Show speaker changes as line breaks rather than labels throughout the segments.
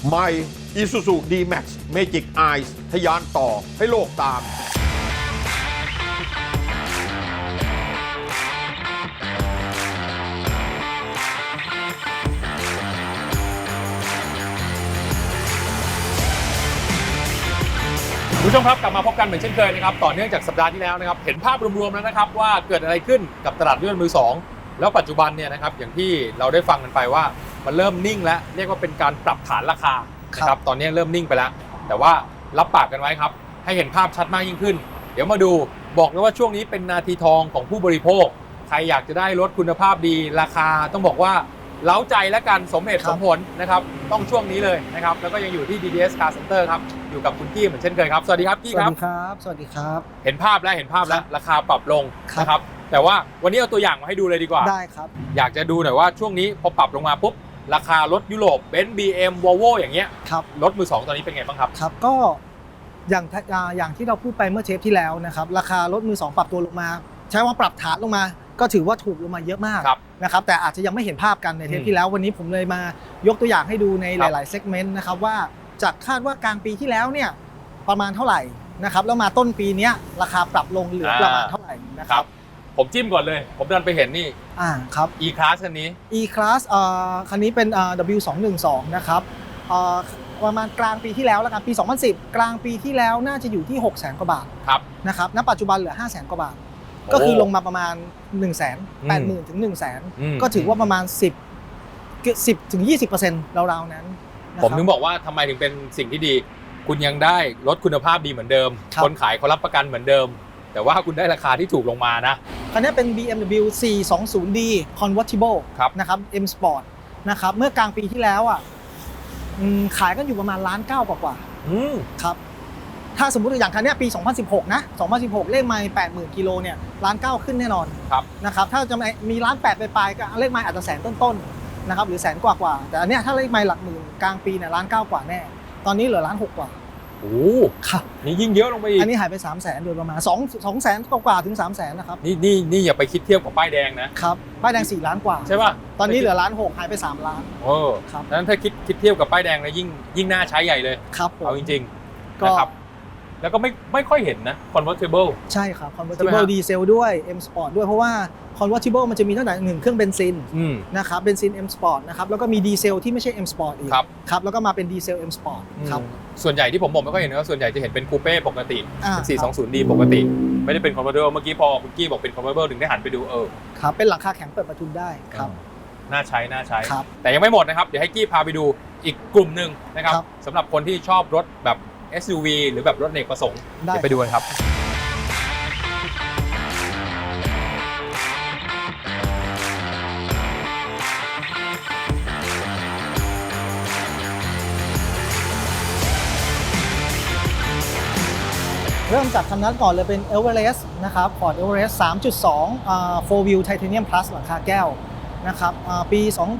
ใหม่ Isuzu D-Max Magic Eyes ทะยานต่อให้โลกตาม
คุณผู้ชมครับกลับมาพบกันเหมือนเช่นเคยนะครับต่อเนื่องจากสัปดาห์ที่แล้วนะครับเห็นภาพรวมๆแล้วนะครับว่าเกิดอะไรขึ้นกับตลาดรถยนต์มือสองแล้วปัจจุบันเนี่ยนะครับอย่างที่เราได้ฟังกันไปว่ามันเริ่มนิ่งแล้วเรียกว่าเป็นการปรับฐานราคานะครับตอนนี้เริ่มนิ่งไปแล้วแต่ว่ารับปากกันไว้ครับให้เห็นภาพชัดมากยิ่งขึ้นเดี๋ยวมาดูบอกเลยว่าช่วงนี้เป็นนาทีทองของผู้บริโภคใครอยากจะได้รถคุณภาพดีราคาต้องบอกว่าเล้าใจและกันสมเหตุสมผลนะครับต้องช่วงนี้เลยนะครับแล้วก็ยังอยู่ที่ DDS Car Center ครับอยู่กับคุณกี้เหมือนเช่นเคยครับสวัสดีครับกี้ครับ
สวัสดีครับ
เห็นภาพแล้วราคาปรับลงนะครับแต่ว่าวันนี้เอาตัวอย่างมาให้ดูเลยดีกว่า
ได้ครับ
อยากจะดูหน่อยว่าช่วงนี้พอปรับลงมาปุ๊บราคารถยุโรปเบนซ์ BM Volvo อย่างเงี้ยรถมือสองตอนนี้เป็นไงบ้างครับ
ครับก็อย่างที่เราพูดไปเมื่อเทปที่แล้วนะครับราคารถมือสองปรับตัวลงมาใช้ว่าปรับฐานลงมาก็ถือว่าถูกลงมาเยอะมากนะครับแต่อาจจะยังไม่เห็นภาพกันในเทปที่แล้ววันนี้ผมเลยมายกตัวอย่างให้ดูในหลายๆเซกเมนต์นะครับว่าจากคาดว่ากลางปีที่แล้วเนี่ยประมาณเท่าไหร่นะครับแล้วมาต้นปีนี้ราคาปรับลงเหลือประมาณเท่าไหร่นะครับ
ผมจิ้มก่อนเลยผมดันไปเห็นนี่
ครับ
E-Class คันนี้
E-Class คันนี้เป็น W212 นะครับประมาณกลางปีที่แล้วแล้วกันปี2010กลางปีที่แล้วน่าจะอยู่ที่ 600,000 กว่าบาทนะครับณปัจจุบันเหลือ 500,000 กว่าบาทก็คือลงมาประมาณ 180,000 ถึง 100,000 ก็ถือว่าประมาณ10 ถึง 20% ราวๆนั้น
ผมถึงบอกว่าทำไมถึงเป็นสิ่งที่ดีคุณยังได้รถคุณภาพดีเหมือนเดิมคนขายเขารับประกันเหมือนเดิมแต่ว่าคุณได้ราคาที่ถูกลงมานะ
คันนี้เป็น BMW 420D Convertible นะครับ M Sport นะครับเมื่อกลางปีที่แล้วขายกันอยู่ประมาณ1.9 ล้านกว่าครับถ้าสมมุติอย่างคันนี้ปี2016นะ2016เลขไมล์ 80,000 กิโลเนี่ย1.9 ล้านขึ้นแน่นอนนะครับถ้าจะมี1.8 ล้านปลายๆก็เลขไมล์อาจจะแสนต้นๆนะครับหรือแสนกว่าแต่อันเนี้ยถ้าเลขไมล์หลักหมื่นกลางปีเนี่ย1.9 ล้านกว่าแน่ตอนนี้เหลือ1.6 ล้านกว่า
โอ้ครับนี่ยิ่งเยอะลงไปอีก
อันนี้หายไป300,000โดยประมาณ200,000 กว่าถึง 300,000นะครับ
นี่อย่าไปคิดเทียบกับป้ายแดงนะครับ
ป้ายแดง4 ล้านกว่า
ใช่ป่ะ
ตอนนี้เหลือ1.6 ล้านหายไป3 ล้าน
ครับดังนั้นถ้าคิดเทียบกับป้ายแดงนะยิ่งน่าใช้ใหญ่เลย
ครับ
เอาจริงๆนะครับแล้วก็ไม่ค่อยเห็นนะ convertible
ใช่ครับ convertible ดีเซลด้วย M Sport ด้วยเพราะว่า convertible มันจะมีตั้งแต่1เครื่องเบนซินนะครับเบนซิน M Sport นะครับแล้วก็มีดีเซลที่ไม่ใช่ M Sport อีกครับแล้วก็มาเป็นดีเซล M Sport ครับ
ส่วนใหญ่ที่ผมบอกไม่ค่อยเห็นนะส่วนใหญ่จะเห็นเป็นคูเป้ปกติ420D ปกติไม่ได้เป็น convertible เมื่อกี้พอคุณกี้บอกเป็น convertible ถึงได้หันไปดู
ครับเป็นหลังคาแข็งเปิดประทุนได้ครับ
น่าใช้แต่ยังไม่หมดนะครับเดี๋ยวให้กี้พาไปดูอีกกลุ่มหนึ่งนะครับสำหรับคนที่ชอบรถแบบ SUV หรือแบบรถอเนกประสงค์เดี๋ยวไปดูกันครับ
เริ่มจากคันนั้นก่อนเลยเป็น Everest นะครับ Ford Everest 3.2 4 Wheel Titanium Plus หลังคาแก้วนะครับปี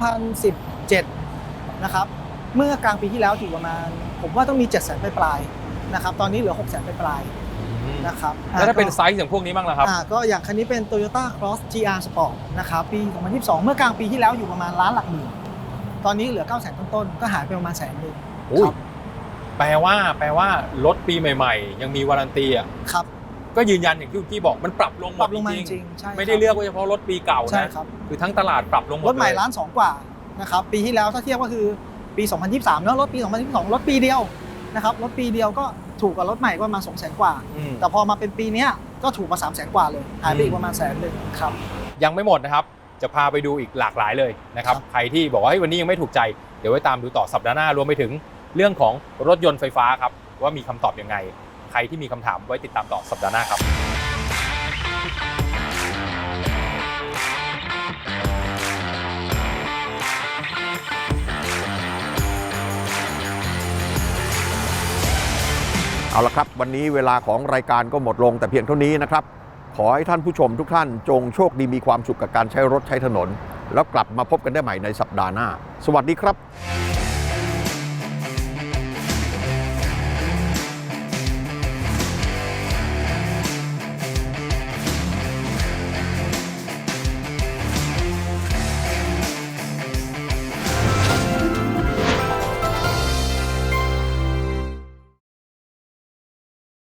2017นะครับเมื่อกลางปีที่แล้วอยู่ประมาณผมว่าต้องมี 700,000 ปลายนะครับตอนนี้เหลือ 600,000 ปลายนะครับ
แล้วถ้าเป็นไซส์อย่างพวกนี้บ้างล่ะครับ
ก็อย่างคันนี้เป็น Toyota Cross GR Sport นะครับปี 2022เมื่อกลางปีที่แล้วอยู่ประมาณล้านหลักหมื่นตอนนี้เหลือ 900,000 ต้นๆก็หายไปประมาณ100,000ครับ
แปลว่ารถปีใหม่ๆยังมีวารันตี
ครับ
ก็ยืนยันอย่างที่คุณกี้บอกมันปรับลง
มาจริง
ไม่ได้เลือกว่าเฉพาะรถปีเก่านะคือทั้งตลาดปรับลงหมด
รถใหม่1.2 ล้านกว่านะครับปีที่แล้วถ้าเทียบก็คือปี2023เนาะรถปี2022รถปีเดียวนะครับรถปีเดียวก็ถูกกว่ารถใหม่ก็ประมาณ 200,000 กว่าแต่พอมาเป็นปีนี้ก็ถูกมา300,000 กว่าเลยหายไปอีกประมาณ100,000ครับ
ยังไม่หมดนะครับจะพาไปดูอีกหลากหลายเลยนะครับใครที่บอกว่าวันนี้ยังไม่ถูกใจเดี๋ยวไว้ตามดูต่อสัปดาห์หน้ารวมไปถึงเรื่องของรถยนต์ไฟฟ้าครับว่ามีคำตอบยังไงใครที่มีคำถามไว้ติดตามต่อสัปดาห์หน้าครับ
เอาละครับวันนี้เวลาของรายการก็หมดลงแต่เพียงเท่านี้นะครับขอให้ท่านผู้ชมทุกท่านจงโชคดีมีความสุขกับการใช้รถใช้ถนนแล้วกลับมาพบกันได้ใหม่ในสัปดาห์หน้าสวัสดีครับ